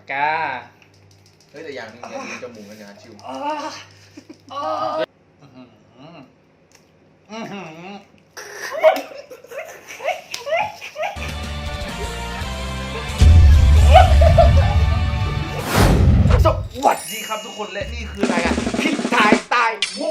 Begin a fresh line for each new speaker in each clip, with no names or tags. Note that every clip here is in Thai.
กา
เฮ้ยแต่อย่างนึงเนี่ยจมูกมันนะชิวสวัสดีครับทุกคนและนี่คือรายการคิดทายตายวู้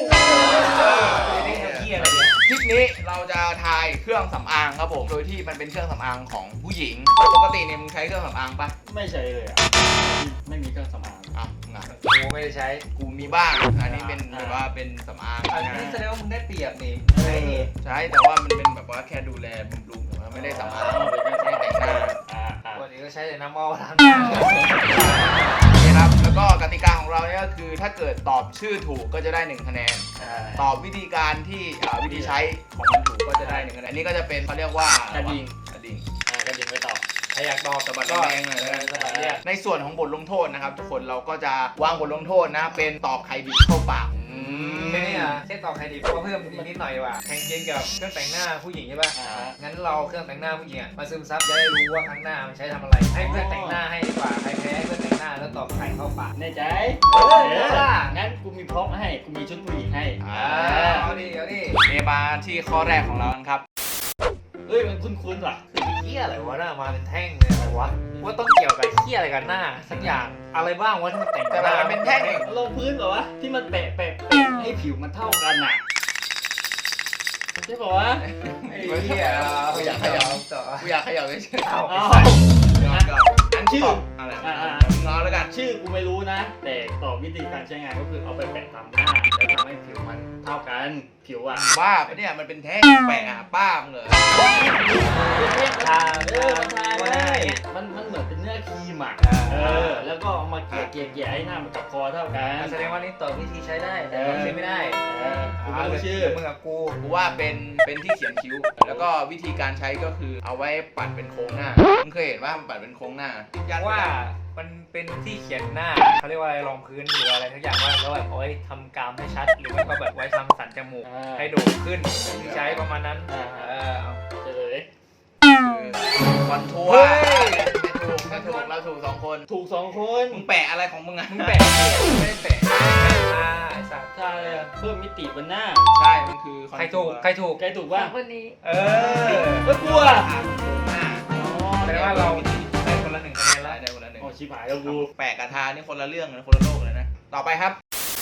คลิปนี้เราจะทายเครื่องสำอางครับผมโดยที่มันเป็นเครื่องสำอางของผู้หญิงปกติเนี่ยมึงใช้เครื่องสำอางปะ
ไม่ใช่เลยอ่ะไม่มีเครื่องสำอาง
อ่ะงาน
กูไม่ได้ใช้
กูมีบ้างอันนี้เป็นแบบว่าเป็นสำอาง
อันนี้แสดงว่ามึงได้เปรียบนี่
ใช่แต่ว่ามันเป็นแบบว่าแค่ดูแลบำรุงแต่ว่าไม่ได้สำอางไม่ได้แต่งหน้า
วันนี้ก็ใช้แต่น้ำมันล้างหน้า
โอเคครับแล้วก็กติกาของเราเนี่ยก็คือถ้าเกิดตอบชื่อถูกก็จะได้1คะแนนตอบวิธีการที่วิธีใช้ของมันถูกก็จะได้1คะแนนอันนี้ก็จะเป็นเขาเรียกว่าก
ระดิ่ง
กระดิ่ง
กระดิ่งไปต่อ
ใครอยากตอบ
สะบัด
ก็
แดงๆหน่อยแล้วกัน
สะบัดเนี่ย
ในส่วนของบทลงโทษนะครับทุกคนเราก็จะวางบทลงโทษนะเป็นตอบใครดีเข้าปาก
แค่นี้อ่ะเช่นตอบใครดีเพราะเพิ่มอีกนิดหน่อยว่ะแข่งเกมกับเครื่องแต่งหน้าผู้หญิงใช่ป่ะงั้นเราเครื่องแต่งหน้าผู้หญิงอ่ะมาซึมซับจะได้รู้ว่าครั้งหน้ามันใช้ทำอะไรให้เพื่อนแต่งหน้าให้ดีกว่าใครแพ้ให้เพื่อนแต่งหน้าแล้วตอบใครเข้าปาก
แน่ใจ
ล่ะ
งั้นกูมีพร็อพให้กูมีชุดผู้หญิงให้
เอาดิเอาดิ
เมมาที่ข้อแรกของเรากันครับ
เฮ้ยมันคุ้นๆว่ะ
เหี้ยอะไรวะน่ะมาเป็นแท่งเลยอะไรวะว่าต้องเกี่ยวกับเหี้ยอะไรกันหน้าสักอย่างอะไรบ้างวะที่มันแต่ง
แต่มันเป็นแท่ง
ลงพื้นเหรอวะที่มันแปะให้ผิวมันเท่ากันน่ะใช่ป่าวะ
ไอ้เหี้ย
กูอยากขยับ
ต่อ
กูอยากขยับเลยเชื่อ
เอา
อ๋อ
อันชื่ออะไรงอแล้วกัน
ชื่อกูไม่รู้นะ แต่ตอบวิธีการใช้งานก็คือเอาไปแปะตามหน้าแล้วทำให้ผิวมันเท่ากันผิวอ่ะ
ว่าปะเนี่ยมันเป็นแท่งแปะป้ามเลย
ทา
มันทาได้มันเหมือนเป็นเนื้อครีมอ่ะแล้วก็เอามาเกลี่ยให้หน้ามันกับคอเท่ากัน
แสดงว่านี่ต่อวิธีใช้ได้แต่เราใช้ไม่ได้
กูไม่รู้ชื่อ
มึงกับกู
กูว่าเป็นที่เขียนคิ้ว แล้วก็วิธีการใช้ก็คือเอาไว้ปัดเป็นโค้งหน้ามึงเคยเห็นว่ามันปัดเป็นโค้งหน้ายัน
ว่ามันเป็นที่เขียนหน้าเขาเรียกว่าอะไรรองพื้นหรืออะไรทุกอย่างว่าแล้วแบบเอาไว้ทำกรามให้ชัดหรือไม่ก็แบบไว้ทำสันจมูกให้โด่งขึ้นที่ใช้ประมาณนั้นเอา
เฉลย
คอนทัวร์ถูกเราถูก2 คน
ถูก2 คน
มึงแปะอะไรของมึงอะ
มึงแปะไม่ได้แปะไอ้สัตว์
ใช่เพิ่มมิติบนหน้า
ใช่มันคือ
ใครถูกใครถูก
ใกล้ถูกป่ะ
วันนี้
ไม่กลัว
แปลว่าเราได้คนละ1คะแนนแล้ว
ได้คนละ1
โอ้ชิบหายแล้วกู
แปะกระทานี่คนละเรื่องนะคนละโลกเลยนะต่อไปครับ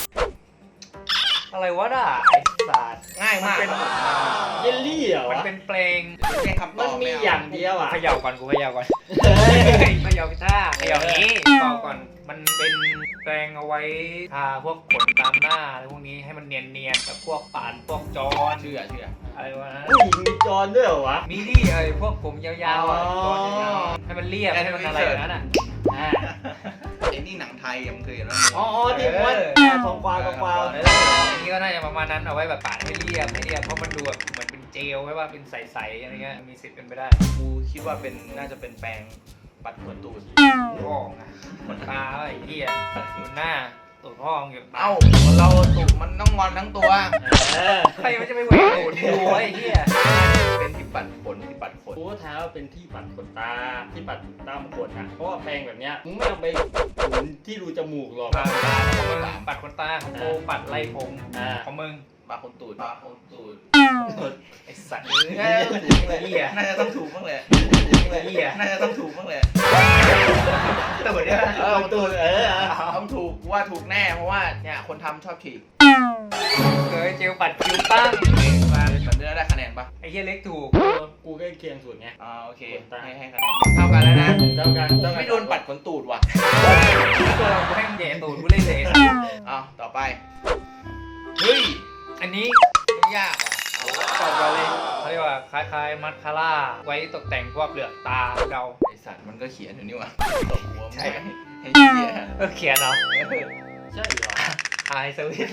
อะไรวะด่าไอ้สัตว์
ง่ายมาก
เยลลี่เหรอ
มัน
วะ
เป็นเพลง
แค่คำต
มั
อน บ
มีอย่างเดียวอ่ะ
เขย่าก่อนกูเขย่าก่อนเขย่ากีตาร์เขย่านี้ต่อก่อนมันเป็นแปรงเอาไว้ทาพวกขนตามหน้าอะไรพวกนี้ให้มันเนียนๆกับพวกปานพวกจอน
เชื่อ
อะไรวะนะ
ผู้หญิงมีจอนด้วยเหรอวะ
มีดิไอ้พวกผมยาวๆอ่ะจอนยาวๆให้มันเรียบให้มันอะไรอย่างนั้นอ่ะ
ไอ้นี่หนังไทยมึงเคยเห็นไหม
อ๋อที่มันทองกวาว
อันนี้ก็น่าจะประมาณนั้นเอาไว้แบบปาดให้เรียบเพราะมันดูแบบเหมือนเป็นเจลไว้ว่าเป็นใสๆอะไรเงี้ยมีสิทธิ์เป็นไปได้
กูคิดว่าเป็นน่าจะเป็นแปรงปัดขนตูด
พ่องอ่ะขนตาไอ้เหี้ยดูหน้าตูดพ่องอยู่ตา
เอ้าเราตูดมันต้องงอนทั้งตัว
ใครมันจะไปแหวกตูดดูไอ้เหี้ย
เป็นที่ปัดขนที่ปัดขน
กูก็ท้าว่าเป็นที่ปัดขนตาที่ปัดตามขนอ่ะเพราะว่าแปรงแบบเนี้ยมึงไม่ต้องไปหมุนที่รูจมูกหรอก
ปัดปัดขนตาของกูปัดไล่ผมของมึง
ปัดขนตูดปัดขนตูด
ไอ้สัตว์
เหี้ยน่าจะต้องถูกบ้างแหละ
เหี้ย
น่าจะต้องถูกบ้างแหละ
ตูดเนี่ย
ตูด
ต้องถูกว่าถูกแน่เพราะว่าเนี่ยคนทำชอบฉีก
เคยเจลปัดคิ้วตั้ง
มันจะได้คะแนนปะ
ไอ้เหี้ยเล็กถูก
กูใกล้เคียงสุดไง
โอเคให้คะแนนเท่ากันแล้วนะ
เท่ากัน
กูไม่โดนปัดขนตูดว่ะ
ตัวเราให้มันแย่ตูดกูเล่นเลย
ต่อไปเฮ้ย
อันนี้
ไม่ยากว่ะ
ตอบกันเลยเขาเรียกว่าคล้ายๆมัสคาร่าไว้ตกแต่งพวกเหลือกตาเดา
ไอสัตว์มันก็เขียนอยู่นี่ว่ะตบหัว
ใช่
ให้เขียน
เขียนเนาะ
ใช่เหรอ
ไอสวิต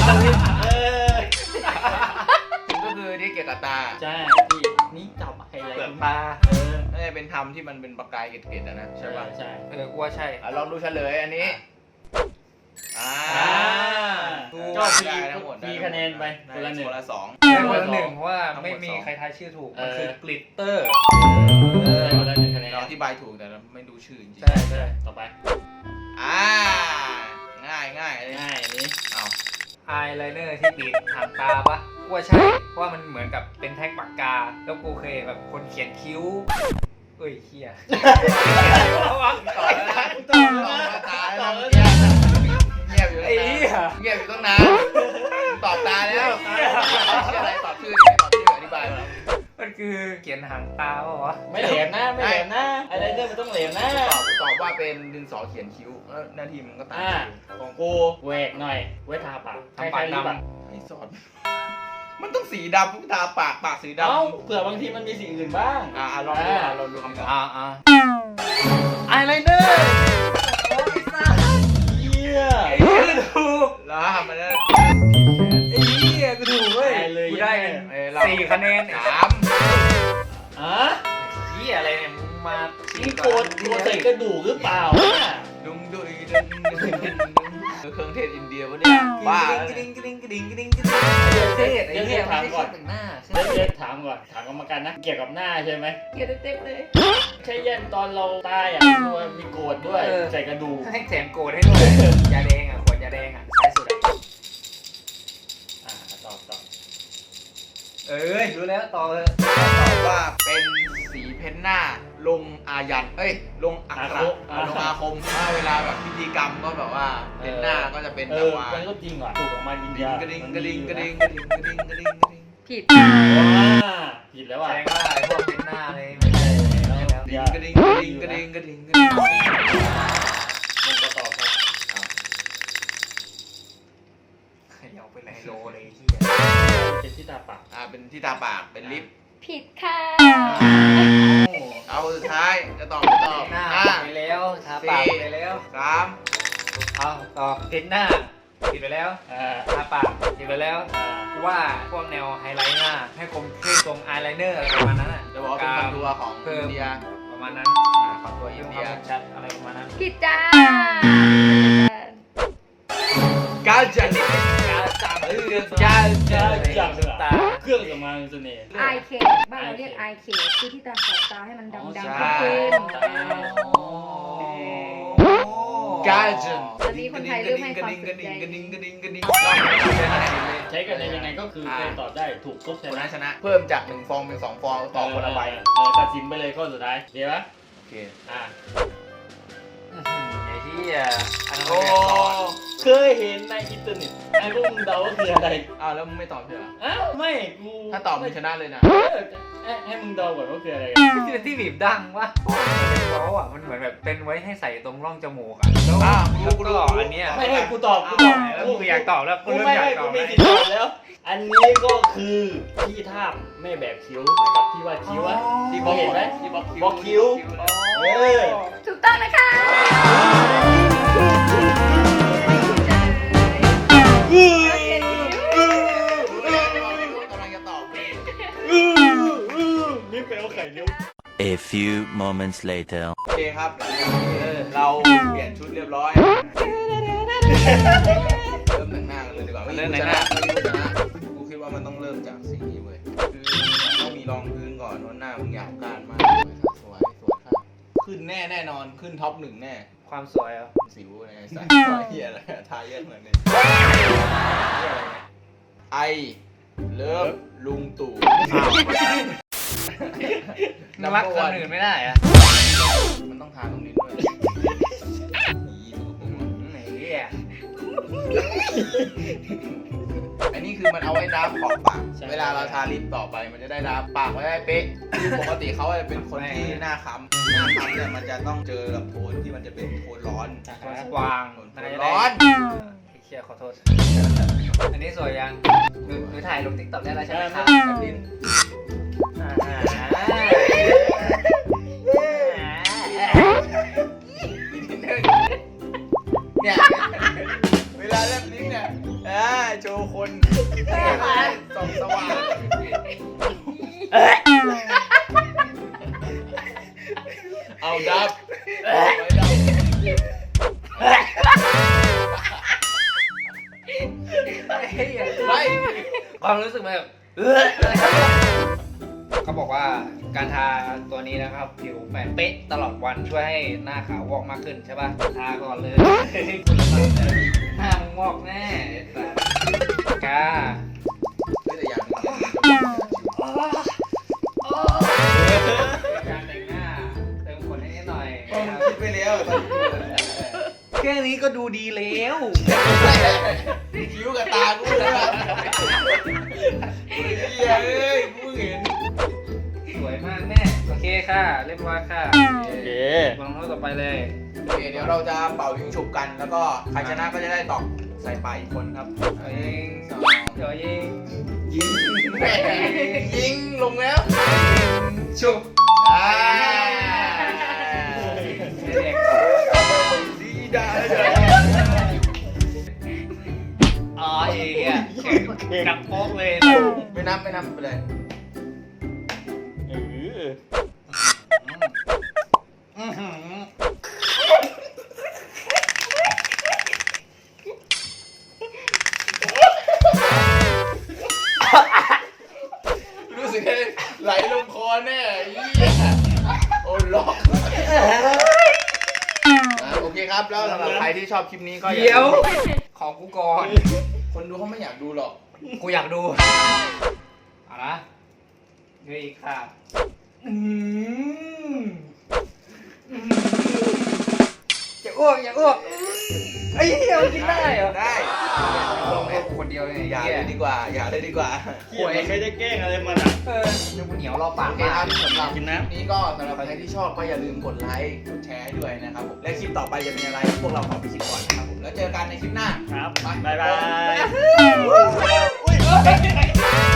ก็คือที่เกี่ยวกับตา
ใช่พี่นี่จับไฮไล
เหลือก
ท์
ตา
น่าจะเป็นทำที่มันเป็นประกายเกล็ดๆนะใช่ป่ะ
ใช่
กูว่าใช่
ลองดูเฉลยอันนี้
ก็
ได้ทั้งหมด
มีคะแนนไปคนละ
คนละสอง
ได้คนละ1เพราะว่าไม่มีใครทายชื่อถูกมันคือกลิตเตอร์
คนละ1คะแนน
เราอธิบายถูกแต่เราไม่ดูชื่อจริง
ใช่
ต่อไป
ไลเนอร์ที่ติดหางตาปะกูว่าใช่เพราะว่ามันเหมือนกับเป็นแท็กปากกาแล้วกูเคยแบบคนเขียนคิ้วเอ้ยเฮีย
ต่อตาแล้วเงียบอยู่
ไอ้เหี้ย
เงียบอยู่ตั้งนานตอบตาแล้วชื่ออะไรตอบชื่อดิตอบชื่ออธิบายมา
มันคือเขียนหางตาปะวะ
ไม่แหลมนะไม่แหลมนะอะไรเรื่องมันต้องแหลมนะ
ตอบว่าเป็นดินสอเขียนคิ้วแล้วหน้าที่มันก็ตาม
ของกูแหวกหน่อยไว้ทาปาก
ทำปากดำ
ให้สอนมันต้องสีดำทุกตาปากสีดำ
เอ้าเผื่อบางทีมันมีสิ่งอื่นบ้าง
ลองดูลองดูคำตอบ
ไอไลเนอร์ เยี่ย
ไอ้เหี้ยกูถูก
แล้วมันได้
ไอ้เหี้ยกูถูกเว้ยกูได้4 คะแนน
3
อ่ะ
เหี้ยอะไรเนี่ยมึงมา
นี่โกดใส่กระดูกหรือเปล่าเนี่ย
ดุงดุยดุงเครื่องเทศอินเดียวะเนี่ยบ้า
กระดิ่งกระดิ่งกระดิ่งกระดิ่งกระดิ่งเทศไอ้เหี้ยไม่ใช่แต่งหน้า
เดี๋ยวถามก่อนถามกรรมการนะเกี่ยวกับหน้าใช่ไหม
เกี่ยวเต็มเลย
ใช่ยันตอนเราตายอ่ะตัวมีโกดด้วยใส่กระดูก
ให้แถมโกรธให้ด้วยยาแดงอ่ะขวดยาแดงอ่ะซ้ายสุดอ่ะ
ตอบ
เอ้ยรู้แล้วต่อเลย
ตอบว่าเป็นสีเพ้นหน้าลงอายันลงอักขระลงอาคมถ้าเวลาแบบพิธีกรรมก็แบบว่าเพ้นหน้าก็จะเป็นแบบว่า
มันก็จริงว่ะถูกออกมาจริง
กระดิ่งกระดิ่งกระดิ่งกระดิ่งกระดิ่งกระดิ่งกระดิ่ง
ผิด
ผิดแล้วว่ะ
แสดงว่าไอ้พวกเป็นหน้าเลยไม่ใช่แล้ว
กระดิ่งกระดิ่งกระดิ่งกระดิ่งกระดิ่งกระดิ่ง
มันก็ตอบครับ
ขยับไปไหนโลเลยที่
เป็นที่ตาปาก
เป็นที่ตาปากเป็นลิป
ผิดค่ะ
เอาสุดท้ายจะตอบไม่ตอบ
หน้า
5
ไปแล้วทาปากไปแล้ว
3
เอาต่อเป็นหน้าผิดไปแล้วทาปากผิดไปแล้วว่าพวกแนวไฮไลท์หน้าให้คมเข้มตรงอายไลเนอร์อะไรประมาณนั้นอ่ะ
จะบอกว่าเป็นคอนทัวร์ของอินเดีย
ประมาณนั้นขอตัวอินเดียชัดอะไรประมาณนั้น
ผิดจ้า
กาจัน
การจับเรื่องการจับตา
เครื่องสำอางเสน่ห์
ไอเคบ้านเราเรียกไอเคคือที่ตาขอบตาให้มันดำๆเข้ม
กาจัน
ตอนนี้คนไทยเริ่มให้ความสนใจ
กระดิ่งกระดิ่งกระดิ่งกระดิ่ง
ใช้กันในยังไงก็คือใครตอบได้ถูกปุ๊บ
คนนั้นชนะเพิ่มจาก1ฟองเป็น2ฟองต่อคนละใบ
ตัดสินไปเลยข้อสุดท้ายเดี๋ยวนะ
โอเค
ไอ้ที่อันนั้น
โอ้
เคยเห็นในอินเทอร์เน็ตไอ้พวกมึงเดาว่าคืออะไร
แล้วมึงไม่ตอบใช่เหรอ
อ้าวไม่กู
ถ้าตอบมึงชนะเลยนะ
ให้มึงเดาก่อนว่าคืออะไร
ที่เป็นที่บีบดังวะเป็นเว้าอ่ะมันเหมือนแบบเป็นไว้ให้ใส่ตรงร่องจมูกอ่ะแล้วก็อันเนี้ย
ไม่ให้กูตอบ
แล้วกูอยากตอบแล้วกู
กู
เริ่ม
ไม่
อยาก
ให้
ต
กู
อบ
มี
แล้ว
สิทธิ์ตอบแล้ว อันนี้ก็คือที่ทาบแม่แบบคิ้วเหมือนกับที่ว่าคิ้วอะ
ที่
มองเห็นไหม
ที่บ
บล็อกคิ้ว เออ
ถูกต้องนะคะโอเค
กำลังจะตอบ
นี่เป็นเอาไข่เลี้ยว
A few moments later.
โอเคครับเราเปลี่ยนชุดเรียบร้อยเริ่มแต่งหน้ากันเลยดีกว่ากูคิดว่ามันต้องเริ่มจากสีนี้เว้ยคือต้องมีรองพื้นก่อนเพราะหน้ามึงหยาบกร้านมากสวยค่ะขึ้นแน่นอนขึ้นท็อป 1แน่
ความสวยอ่ะ
สิวอะไรใส่เฮียอะไรทาเยอะเหมือนเนี่ยไอเลิฟลุงตู่
น่ารักคนอื่นไม่ได้อ่ะ
มันต้องทาตรงนี้ด้วย
ไหนเนี่ย
อันนี้คือมันเอาไว้ดับขอบปากเวลาเราทาลิปต่อไปมันจะได้ดับปากไว้ได้เป๊ะคือปกติเขาจะเป็นคนที่หน้าค้ำเนี่ยมันจะต้องเจอกับโทนที่มันจะเป็นโทนร้อน
กวาง
ร้อน
เชียขอโทษอันนี้สวยยังหนูถ่ายลงติ๊กต็อกได้แล้วใช่ไหมครับแบบนี้
เนี่ยเวลาเล่นลิ้นเนี่ยโชว์คนส่องสว่างเอาดับไว้ดับไม่
ความรู้สึกแบบเขาบอกว่าการทาตัวนี้นะครับผิวแบบเป๊ะตลอดวันช่วยให้หน้าขาววอกมากขึ้นใช่ป่ะทาก่อนเลยหน้ามึงวอกแน่จ้า
แต่อย่างนึงเนี่ย
การแต่งหน้าเติมขนให้นิดหน่อย
ผมคิดไปแล้วตอนนี้
แค่นี้ก็ดูดีแล้ว
คิ้วกับตากูเลยว่ะเหี้ยเอ้ยกูเห็น
สวยมากแม่โอเคค่ะเรียบร้อยค่ะ
โอเค
ลองเท่าต่อไปเลย
โอเคเดี๋ยวเราจะเป่ายิงฉุบกัน แล้วก็ใครชนะก็จะได้ตอกใส่ปลายอีกคนครับ
เอายิง
สอง
เดี๋ยวยิง
ยิงแหม่ยิงลงแล้ว
ชุบ
อ่า
เด็ก
ดีได้เลย
อ๋อเอ๋อ่ะจับโป๊กเลย
ไม่นับไปเลย
เออ
รู้สึกได้ไหลลงคอแน่เหี้ยโอ้ล็อกโอเคครับแล้วสำหรับใครที่ชอบคลิปนี้ก็อา
เดี๋ยว
ลืม
ขอกูก่อน
คนดูเขาไม่อยากดูหรอก
กูอยากดูเอาละเดี๋ยวอีกค่ะอย่าอ้วกอย่าอ้วกไอ้เหี้ยมันกินได้เหรอ
ได้
ลงให้กูคนเดียวเลย
อย่าเลยดีกว่า อย่าเลยดีกว่า
เหี้ยมันไม่ได้แกล้งอะไรมันอ่ะ
เออเดี๋ยวกูเหนียวรอปาก
โอเค
มาก
ครับสำหรับ
กินน้ำ
คลิปนี้ก็สำหรับใครที่ชอบก็อย่าลืมกดไลค์กดแชร์ให้ด้วยนะครับผมและคลิปต่อไปจะเป็นอะไรพวกเราขอไปคิดก่อนนะครับผมแล้วเจอกันในคลิปหน้า
ครับ
ไป
บ๊ายบาย
อุ้ย